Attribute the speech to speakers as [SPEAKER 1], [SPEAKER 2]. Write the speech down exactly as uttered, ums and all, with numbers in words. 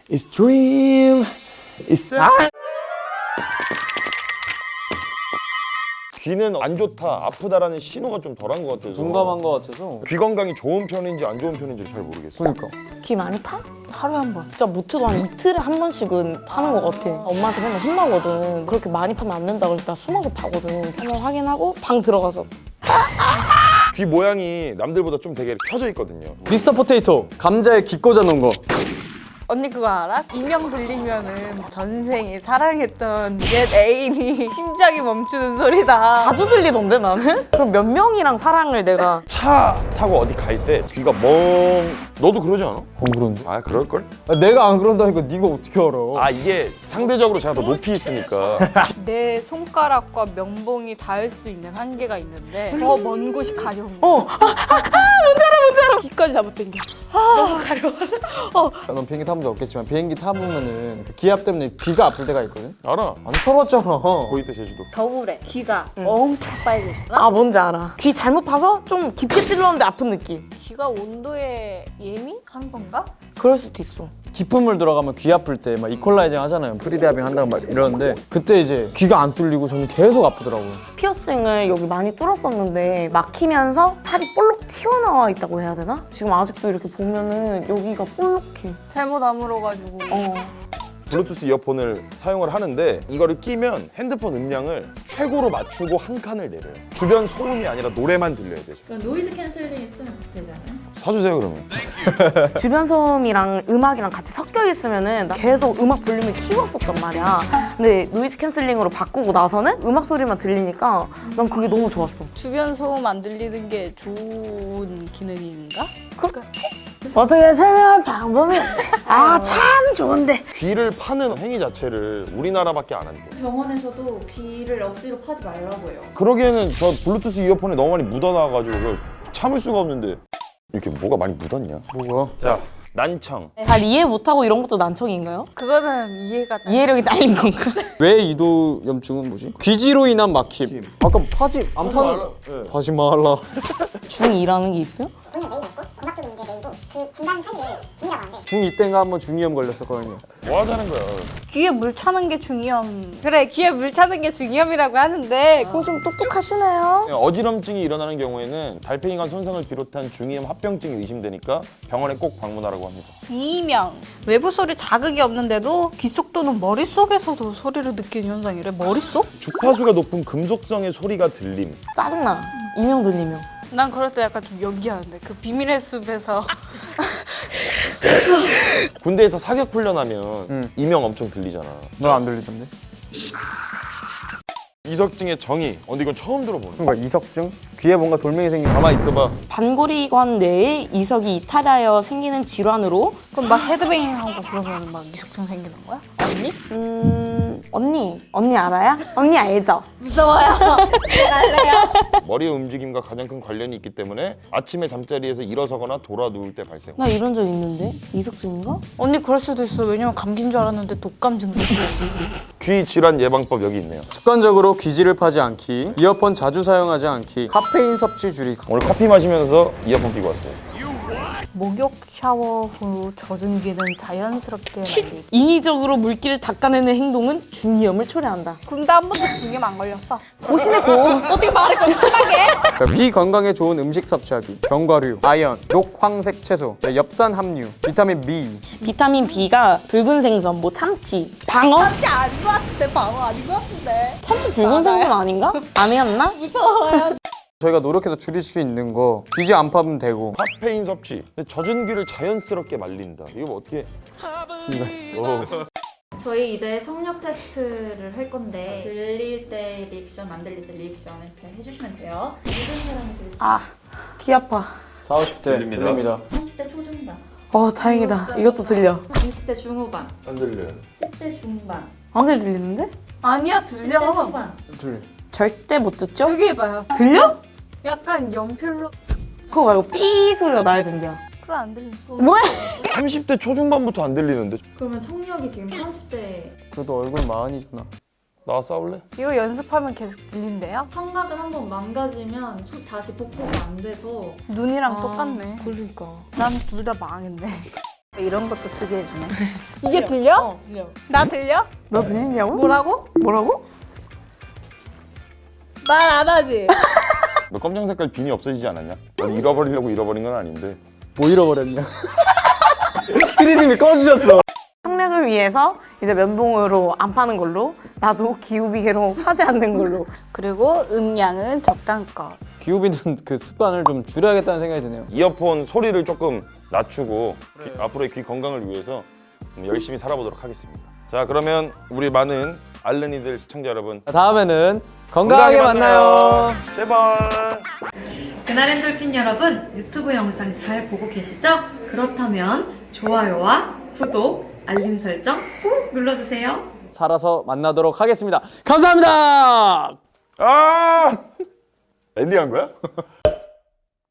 [SPEAKER 1] It's dream. It's 아! 귀는 안 좋다, 아프다라는 신호가 좀 덜한 것 같아서
[SPEAKER 2] 둔감한 것 같아서.
[SPEAKER 1] 귀 건강이 좋은 편인지 안 좋은 편인지 잘 모르겠어.
[SPEAKER 2] 그러니까.
[SPEAKER 3] 귀 많이 파? 하루에 한 번. 진짜 못해도 한 이틀에 한 번씩은 파는 것 같아. 엄마한테 맨날 혼나거든. 그렇게 많이 파면 안 된다 그래서 나 숨어서 파거든. 한번 확인하고 방 들어가서.
[SPEAKER 1] 귀 모양이 남들보다 좀 되게 펴져 있거든요.
[SPEAKER 2] 미스터 포테이토 감자에 귀 꽂아 놓은 거.
[SPEAKER 4] 언니 그거 알아? 이명 들리면은 전생에 사랑했던 옛 애인이 심장이 멈추는 소리다.
[SPEAKER 3] 자주 들리던데 나는? 그럼 몇 명이랑 사랑을 내가.
[SPEAKER 1] 차 타고 어디 갈 때 귀가 멍... 너도 그러지 않아?
[SPEAKER 2] 어 그런데?
[SPEAKER 1] 아 그럴걸?
[SPEAKER 2] 아, 내가 안 그런다니까 네가 어떻게 알아?
[SPEAKER 1] 아 이게 상대적으로 제가 더 높이 있으니까.
[SPEAKER 4] 내 손가락과 면봉이 닿을 수 있는 한계가 있는데 더 먼 곳이 가려운 거야.
[SPEAKER 3] 어. 아, 아, 아, 뭔지 알아 뭔지 알아.
[SPEAKER 4] 귀까지 잡아당겨.
[SPEAKER 3] 너무 가려워서. 어.
[SPEAKER 2] 넌 비행기 타본 적 없겠지만 비행기 타보면은 그 기압 때문에 귀가 아플 때가 있거든?
[SPEAKER 1] 알아.
[SPEAKER 2] 안 타봤잖아.
[SPEAKER 1] 거기 때 제주도.
[SPEAKER 4] 겨울에 귀가 엄청 빨개졌나?
[SPEAKER 3] 아 뭔지 알아. 귀 잘못 파서 좀 깊게 찔렀는데 아픈 느낌.
[SPEAKER 4] 귀가 온도에 예민한 건가?
[SPEAKER 3] 그럴 수도 있어.
[SPEAKER 2] 깊은 물 들어가면 귀 아플 때 막 이퀄라이징 하잖아요. 프리디아빙 한다고 막 이러는데 그때 이제 귀가 안 뚫리고 저는 계속 아프더라고요.
[SPEAKER 3] 피어싱을 여기 많이 뚫었었는데 막히면서 살이 볼록 튀어나와 있다고 해야 되나? 지금 아직도 이렇게 보면은 여기가 볼록해.
[SPEAKER 4] 잘못 아물어가지고.
[SPEAKER 3] 어.
[SPEAKER 1] 블루투스 이어폰을 사용을 하는데 이거를 끼면 핸드폰 음량을 최고로 맞추고 한 칸을 내려요. 주변 소음이 아니라 노래만 들려야 되죠.
[SPEAKER 5] 그럼 노이즈 캔슬링 있으면 되지 않아요?
[SPEAKER 1] 사주세요 그러면.
[SPEAKER 3] 주변 소음이랑 음악이랑 같이 섞여 있으면은 나 계속 음악 볼륨을 키웠었단 말이야. 근데 노이즈 캔슬링으로 바꾸고 나서는 음악 소리만 들리니까 난 그게 너무 좋았어.
[SPEAKER 4] 주변 소음 안 들리는 게 좋은 기능인가?
[SPEAKER 3] 그렇지? 어떻게 설명할 방법이 아 참 좋은데.
[SPEAKER 1] 귀를 파는 행위 자체를 우리나라밖에 안 한대.
[SPEAKER 5] 병원에서도 귀를 억지로 파지 말라고 해요.
[SPEAKER 1] 그러기에는 저 블루투스 이어폰에 너무 많이 묻어나와가지고 그걸 참을 수가 없는데 이렇게 뭐가 많이 묻었냐?
[SPEAKER 2] 뭐가?
[SPEAKER 1] 자, 난청.
[SPEAKER 3] 잘 이해 못하고 이런 것도 난청인가요?
[SPEAKER 4] 그거는 이해가
[SPEAKER 3] 이해력이 딸린 건가?
[SPEAKER 2] 왜 이도염증은 뭐지? 귀지로 인한 막힘. 아까 파지 안 파는.
[SPEAKER 1] 네.
[SPEAKER 2] 파지 말라.
[SPEAKER 3] 중이라는 게 있어요?
[SPEAKER 6] 오늘 메이고 없고 고막 쪽인 게 메이고 그 중간 사이에 중이라고 하는데
[SPEAKER 2] 중이 때인가 한번 중이염 걸렸었거든요.
[SPEAKER 1] 뭐 하자는 거야?
[SPEAKER 4] 귀에 물 차는 게 중이염. 그래, 귀에 물 차는 게 중이염이라고 하는데
[SPEAKER 3] 그거 좀 똑똑하시네요.
[SPEAKER 1] 어지럼증이 일어나는 경우에는 달팽이관 손상을 비롯한 중이염 합병증이 의심되니까 병원에 꼭 방문하라고 합니다.
[SPEAKER 4] 이명. 외부 소리 자극이 없는데도 귀 속 또는 머릿속에서도 소리를 느끼는 현상이래. 머릿속?
[SPEAKER 1] 주파수가 높은 금속성의 소리가 들림.
[SPEAKER 3] 짜증나. 이명 들리면.
[SPEAKER 4] 난 그럴 때 약간 좀 연기하는데 그 비밀의 숲에서
[SPEAKER 1] 군대에서 사격 훈련하면
[SPEAKER 2] 응.
[SPEAKER 1] 이명 엄청 들리잖아.
[SPEAKER 2] 넌 안 들리던데?
[SPEAKER 1] 이석증의 정의. 어, 근데 이건 처음 들어보네.
[SPEAKER 2] 그러니까 이석증? 귀에 뭔가 돌멩이 생긴 거.
[SPEAKER 1] 가만 있어봐.
[SPEAKER 3] 반고리관 내에 이석이 이탈하여 생기는 질환으로.
[SPEAKER 4] 그럼 막 헤드뱅잉하고 그러면 막 이석증 생기는 거야? 언니?
[SPEAKER 3] 음... 언니. 언니 알아요? 언니 알죠?
[SPEAKER 4] 무서워요.
[SPEAKER 1] 머리의 움직임과 가장 큰 관련이 있기 때문에 아침에 잠자리에서 일어서거나 돌아 누울 때 발생.
[SPEAKER 3] 나 이런 적 있는데? 이석증인가?
[SPEAKER 4] 언니 그럴 수도 있어. 왜냐면 감기인 줄 알았는데 독감 증상.
[SPEAKER 1] 귀 질환 예방법 여기 있네요.
[SPEAKER 2] 습관적으로 귀지를 파지 않기, 이어폰 자주 사용하지 않기, 카페인 섭취 줄이기.
[SPEAKER 1] 오늘 커피 마시면서 이어폰 끼고 왔어요.
[SPEAKER 4] 목욕 샤워 후 젖은 귀는 자연스럽게 말리기.
[SPEAKER 3] 인위적으로 물기를 닦아내는 행동은 중이염을 초래한다.
[SPEAKER 4] 근데 한 번도 중이염 안 걸렸어.
[SPEAKER 3] 고심의 고.
[SPEAKER 4] 어떻게 말을 그렇게 심하게?
[SPEAKER 2] 그러니까 귀 건강에 좋은 음식 섭취하기, 견과류, 아연, 녹황색 채소, 엽산 함유, 비타민 B.
[SPEAKER 3] 비타민 B가 붉은 생선, 뭐 참치, 방어?
[SPEAKER 4] 진짜 안 좋았을 때 방어 아닌 것 같은데.
[SPEAKER 3] 참치 붉은 생선 아닌가? 아니었나?
[SPEAKER 4] 무서워요.
[SPEAKER 2] 저희가 노력해서 줄일 수 있는 거 귀지 안 파면 되고.
[SPEAKER 1] 카페인 섭취. 근데 젖은 귀를 자연스럽게 말린다. 이거 뭐 어떻게? 어.
[SPEAKER 5] 저희 이제 청력 테스트를 할 건데 들릴 때 리액션, 안 들릴 때 리액션 이렇게 해주시면 돼요. 모든 사람이 들을 수
[SPEAKER 3] 아, 귀 아파.
[SPEAKER 2] 사십 대
[SPEAKER 1] 들립니다.
[SPEAKER 2] 들립니다.
[SPEAKER 5] 삼십 대 초중반,
[SPEAKER 3] 어, 다행이다. 이것도 들려.
[SPEAKER 5] 이십 대 중후반,
[SPEAKER 1] 안 들려요.
[SPEAKER 5] 십 대 중반,
[SPEAKER 3] 안 들리는데?
[SPEAKER 4] 아니야
[SPEAKER 5] 십 대
[SPEAKER 4] 들려.
[SPEAKER 5] 후반.
[SPEAKER 2] 들려.
[SPEAKER 3] 절대 못 듣죠?
[SPEAKER 4] 여기 해봐요.
[SPEAKER 3] 들려?
[SPEAKER 4] 약간 연필로.
[SPEAKER 3] 그거 말고 삐 소리가 나야 된대요.
[SPEAKER 4] 그래 안 들려.
[SPEAKER 3] 뭐야?
[SPEAKER 1] 삼십 대 초중반부터 안 들리는데.
[SPEAKER 5] 그러면 청력이 지금 삼십 대
[SPEAKER 2] 그래도 얼굴 마흔이잖아.
[SPEAKER 1] 나와 싸울래?
[SPEAKER 4] 이거 연습하면 계속 들린대요?
[SPEAKER 5] 청각은 한번 망가지면 소- 다시 복구가 안 돼서
[SPEAKER 4] 눈이랑
[SPEAKER 5] 아.
[SPEAKER 4] 똑같네.
[SPEAKER 3] 그러니까.
[SPEAKER 4] 난 둘 다 망했네. 이런 것도 쓰게 해주네. 이게 들려?
[SPEAKER 3] 어, 들려.
[SPEAKER 4] 나 들려?
[SPEAKER 3] 너 들리냐고?
[SPEAKER 4] 뭐라고?
[SPEAKER 3] 뭐라고?
[SPEAKER 4] 말 안 하지?
[SPEAKER 1] 너 검정 색깔 비니 없어지지 않았냐? 넌 잃어버리려고 잃어버린 건 아닌데.
[SPEAKER 2] 뭐 잃어버렸냐? 피디님이 꺼주셨어.
[SPEAKER 3] 청력을 위해서 이제 면봉으로 안 파는 걸로, 나도 기우비계로 하지 않는 걸로.
[SPEAKER 4] 그리고 음량은 적당껏.
[SPEAKER 2] 기우비는 그 습관을 좀 줄여야겠다는 생각이 드네요.
[SPEAKER 1] 이어폰 소리를 조금 낮추고 귀- 앞으로의 귀 건강을 위해서 열심히 살아보도록 하겠습니다. 자, 그러면 우리 많은 알른이들 시청자 여러분
[SPEAKER 2] 자, 다음에는 건강하게, 만나요.
[SPEAKER 1] 제발.
[SPEAKER 7] 그날 엔돌핀 여러분, 유튜브 영상 잘 보고 계시죠? 그렇다면 좋아요와 구독, 알림 설정 꾹 눌러주세요.
[SPEAKER 2] 살아서 만나도록 하겠습니다. 감사합니다.
[SPEAKER 1] 아! 엔딩한 거야?